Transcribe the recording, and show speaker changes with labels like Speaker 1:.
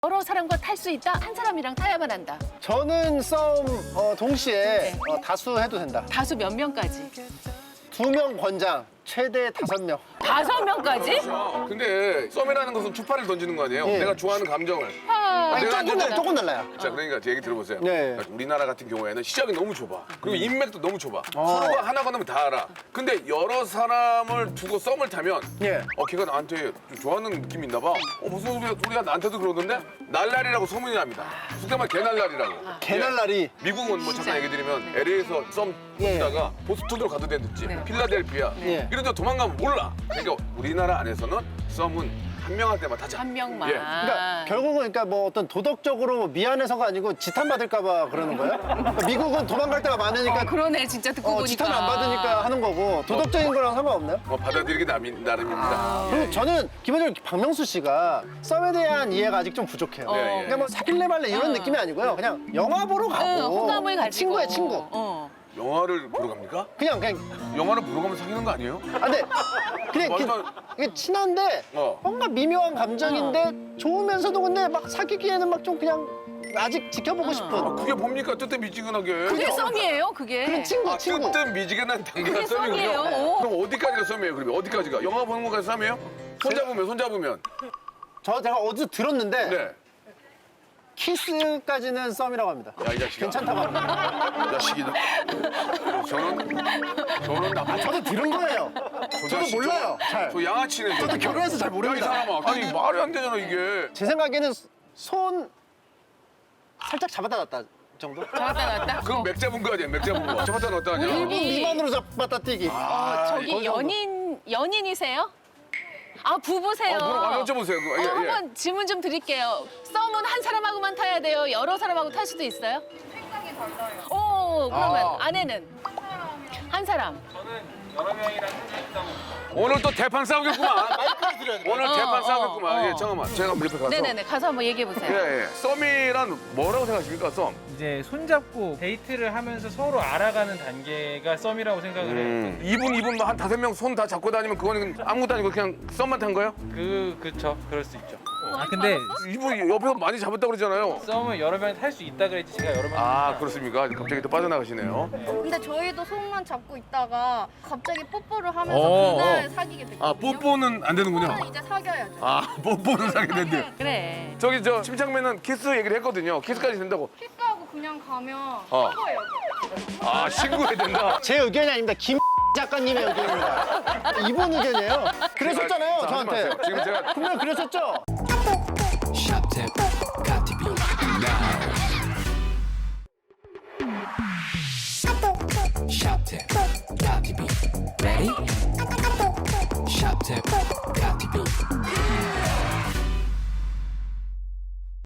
Speaker 1: 여러 사람과 탈 수 있다. 한 사람이랑 타야만 한다.
Speaker 2: 저는 썸 동시에
Speaker 1: 네.
Speaker 2: 다수 해도 된다.
Speaker 1: 다수 몇 명까지?
Speaker 2: 2명 권장, 최대 5명.
Speaker 1: 5명까지?
Speaker 3: 근데 썸이라는 것은 추파를 던지는 거 아니에요?
Speaker 2: 예.
Speaker 3: 내가 좋아하는 감정을.
Speaker 2: 아니,
Speaker 3: 내가
Speaker 2: 조금 달라요.
Speaker 3: 자, 그러니까 제 얘기 들어보세요.
Speaker 2: 네.
Speaker 3: 그러니까 우리나라 같은 경우에는 시작이 너무 좁아. 그리고 인맥도 너무 좁아. 서로가 하나 건너면 다 알아. 근데 여러 사람을 두고 썸을 타면
Speaker 2: 예.
Speaker 3: 걔가 나한테 좀 좋아하는 느낌이 있나 봐. 무슨 소리가 나한테도 그러던데? 날라리라고 소문이 납니다. 속된 말 개날라리라고.
Speaker 2: 개날라리.
Speaker 3: 미국은 뭐 잠깐 얘기 드리면 LA에서 썸 타다가 보스턴으로 가도 되든지 필라델피아
Speaker 2: 예.
Speaker 3: 이런 데 도망가면 몰라. 그러니까 우리나라 안에서는 썸은 한 명한테만 타자.
Speaker 1: 한 명만.
Speaker 3: 예.
Speaker 2: 그러니까 결국은 그러니까 뭐 어떤 도덕적으로 미안해서가 아니고 지탄 받을까봐 그러는 거예요? 그러니까 미국은 도망갈 데가 많으니까
Speaker 1: 그러네, 진짜 듣고 보니까.
Speaker 2: 지탄 안 받으니까 하는 거고 도덕적인 거랑 상관없나요?
Speaker 3: 받아들이기 나름입니다.
Speaker 2: 그리고 저는 기본적으로 박명수 씨가 썸에 대한 이해가 아직 좀 부족해요.
Speaker 3: 예, 예.
Speaker 2: 그러니까 뭐 사귈래 말래 이런 느낌이 아니고요. 그냥 영화 보러 가고
Speaker 1: 응, 호감을 가지고.
Speaker 2: 친구야 친구.
Speaker 3: 영화를 보러 갑니까?
Speaker 2: 그냥
Speaker 3: 영화를 보러 가면 사귀는 거 아니에요?
Speaker 2: 아, 근데 그냥
Speaker 3: 완전-
Speaker 2: 이게 친한데 뭔가 미묘한 감정인데 좋으면서도 근데 막 사귀기에는 막 좀 그냥 아직 지켜보고 싶은
Speaker 3: 그게 뭡니까? 뜨뜻미지근하게.
Speaker 1: 그게 썸이에요, 그게.
Speaker 2: 그런 친구.
Speaker 3: 뜨뜻미지근한 단계가
Speaker 1: 그게
Speaker 3: 썸이군요.
Speaker 1: 썸이에요. 오.
Speaker 3: 그럼 어디까지가 썸이에요? 그러면 어디까지가? 영화 보는 것까지 썸이에요? 손잡으면.
Speaker 2: 제가 어디서 들었는데
Speaker 3: 네.
Speaker 2: 키스까지는 썸이라고 합니다.
Speaker 3: 야, 이 자식아.
Speaker 2: 괜찮다고 합니다.
Speaker 3: 이 자식이다. 저는 나쁜
Speaker 2: 저도 들은 거예요. 저도 몰라요. 잘.
Speaker 3: 저 양아치네.
Speaker 2: 저도 결혼해서 잘
Speaker 3: 야, 이
Speaker 2: 모릅니다.
Speaker 3: 사람아. 아니, 말이 안 되잖아, 이게.
Speaker 2: 제 생각에는 손 살짝 잡았다 놨다 정도?
Speaker 1: 잡았다 놨다?
Speaker 3: 그럼 맥 잡은 거 아니야, 맥 잡은 거. 잡았다 놨다 아니야?
Speaker 2: 1분 미만으로 잡았다 뛰기.
Speaker 1: 저기 연인이세요? 아, 부부세요.
Speaker 3: 그럼 여쭤보세요. 예, 예.
Speaker 1: 한번 질문 좀 드릴게요. 썸은 한 사람하고만 타야 돼요? 여러 사람하고 탈 수도 있어요?
Speaker 4: 생각이 달라요.
Speaker 1: 오, 그러면 아내는? 한 사람.
Speaker 4: 여러 명이랑 할수 있다고.
Speaker 3: 오늘 또 대판 싸우겠구만. 오늘 대판
Speaker 1: 어,
Speaker 3: 싸우겠구만.
Speaker 1: 어.
Speaker 3: 예, 잠깐만. 제가 한번 옆에 가서.
Speaker 1: 네네네. 가서 한번 얘기해보세요.
Speaker 3: 예, 예. 썸이란 뭐라고 생각하십니까, 썸?
Speaker 5: 이제 손잡고 데이트를 하면서 서로 알아가는 단계가 썸이라고 생각을 해요.
Speaker 3: 이분 한 5명 손 다 잡고 다니면 그거는 아무것도 아니고 그냥 썸만 탄 거예요?
Speaker 5: 그쵸. 그럴 수 있죠. 아 근데
Speaker 3: 이분 옆에서 많이 잡았다고 그러잖아요.
Speaker 5: 썸을 여러 명이 탈 수 있다 그랬지 제가 여러 명.
Speaker 3: 아, 그렇습니까? 갑자기 또 빠져나가시네요.
Speaker 6: 근데 저희도 손만 잡고 있다가 갑자기 뽀뽀를 하면서
Speaker 3: 어,
Speaker 6: 그날
Speaker 3: 어.
Speaker 6: 사귀게 됐거든요.
Speaker 3: 아, 뽀뽀는 안 되는군요.
Speaker 6: 뽀뽀는 이제 사귀어야죠.
Speaker 3: 아, 뽀뽀는 사게 된대.
Speaker 1: 그래.
Speaker 3: 저기 저 침착맨은 키스 얘기를 했거든요. 키스까지 된다고.
Speaker 6: 키스하고 그냥 가면
Speaker 3: 어.
Speaker 6: 사귀어요.
Speaker 3: 아, 신고해야 된다.
Speaker 2: 제 의견이 아닙니다. 김 작가님의 의견입니다. 이분 의견이에요. 그랬었잖아요,
Speaker 3: 자, 하지
Speaker 2: 저한테.
Speaker 3: 마세요. 지금 제가
Speaker 2: 분명 그랬었죠?
Speaker 7: Shop got to be now. Shop got to be ready. Shop got to be